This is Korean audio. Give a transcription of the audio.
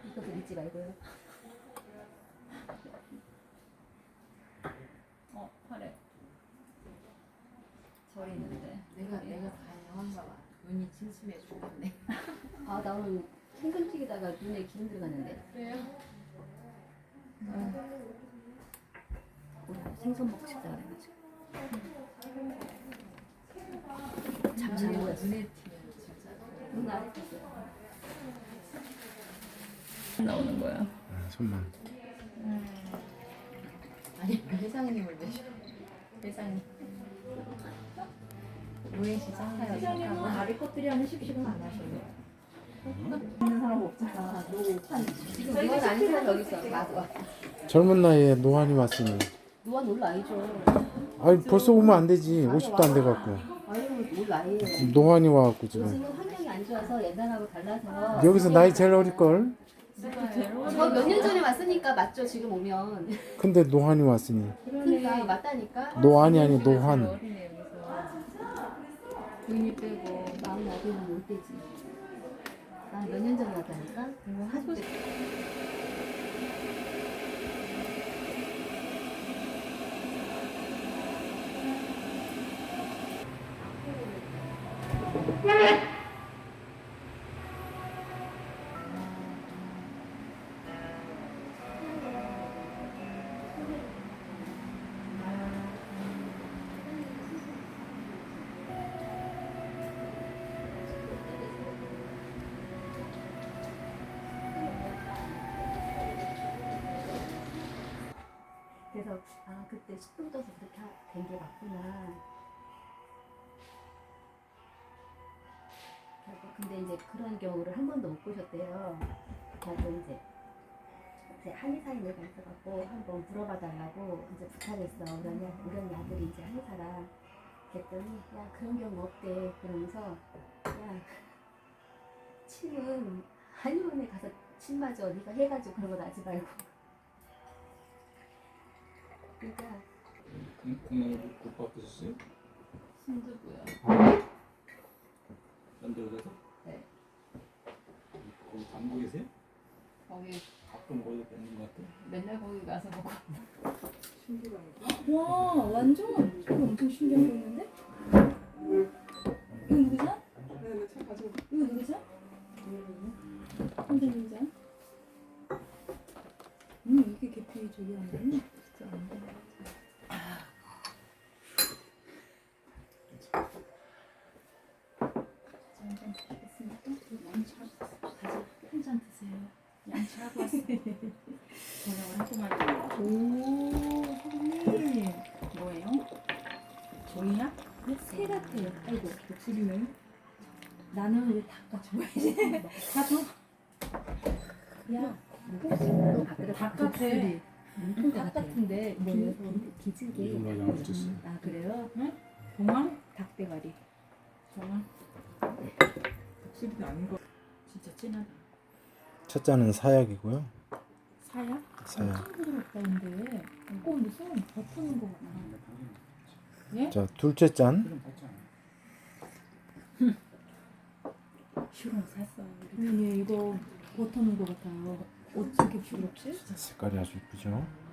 이것도 믿지 말고요. 팔에 저 있는데 내가 가능한가 봐. 눈이 침침해 죽겠네. 아, 나 오늘 생근튀기다가 눈에 기름 들어갔는데. 그래요? 오늘 생선 먹고 싶다 그래가지고. 잠시 눈에 모였어. 튀면 진짜. 눈 아래 있어요. 나오는 거야. 손만. 아니 회장님을 내셔. 회장님. 노예시장 회장님은 아래 것들이 하는 식식은 안 하셔요. 있는 사람 없잖아. 노한 지금 노안 아닌 사람 여기 있어. 맞아. 젊은 나이에 노안이 왔으니. 노안 올 나이죠. 아니 벌써 오면 안 되지. 50도 안 돼갖고. 아유, 올 나이에. 노안이 와갖고 지금. 요즘은 환경이 안 좋아서 옛날하고 달라서. 여기서 나이 제일 어릴걸? 저 몇 년 전에 왔으니까 맞죠? 지금 오면. 근데 노안이 왔으니. 그러니까 맞다니까. 노안이 아니 노환. 어린애 여기서 눈이 빼고 마음 나기는 올 때지. 나 몇 년 전에 왔다니까. 그리고 하도 그래서 아 그때 식도 떠서 그렇게 된 게 맞구나. 결국 근데 이제 그런 경우를 한 번도 못 보셨대요. 그래서 이제 한의사인을 가서갖고 한번 물어봐 달라고 이제 부탁했어. 우리 언니 아들이 이제 한의사라. 그랬더니 야 그런 경우 없대. 그러면서 야 침은 한의원에 가서 침 맞아. 네가 해가지고 그런 거 나지 말고. 그러니까 국밥 드셨어요? 순두부요. 만들어서? 네. 거기 담고 계세요? 거기 가끔 거기서 뵙는 것 같아요. 맨날 거기 가서 먹고. 와 완전 이거 엄청 신기한 거 있는데? 이거 누구죠? 이거 누구죠? 선생님이죠? 이게 계피 저기 하네. 진짜 안 돼. 한잔 드시겠습니까? 한잔 드세요. 양치하고 왔어. 저녁을 하고 말고. 오 선생님 뭐예요? 종이야? 새 같아요. 아이고 목소리는 나는 왜 닭가 좋아해? 다 줘. 야 닭 같아. 닭 같은데 뭐예요? 기질게. 이걸로 양을 줬어요. 아 그래요? 동안? 닭대가리. 동안? 확실히 아닌 거. 진짜 진하다. 첫 잔은 사약이고요. 사야? 사약. 엄청 부드럽다는데 무슨 버터는 거 같아. 예? 자 둘째 잔. 그럼 봤잖아. 슈롱 샀어. 아니 이거 버터는 거 같아요. 어떻게 부드럽지? 색깔이 아주 이쁘죠.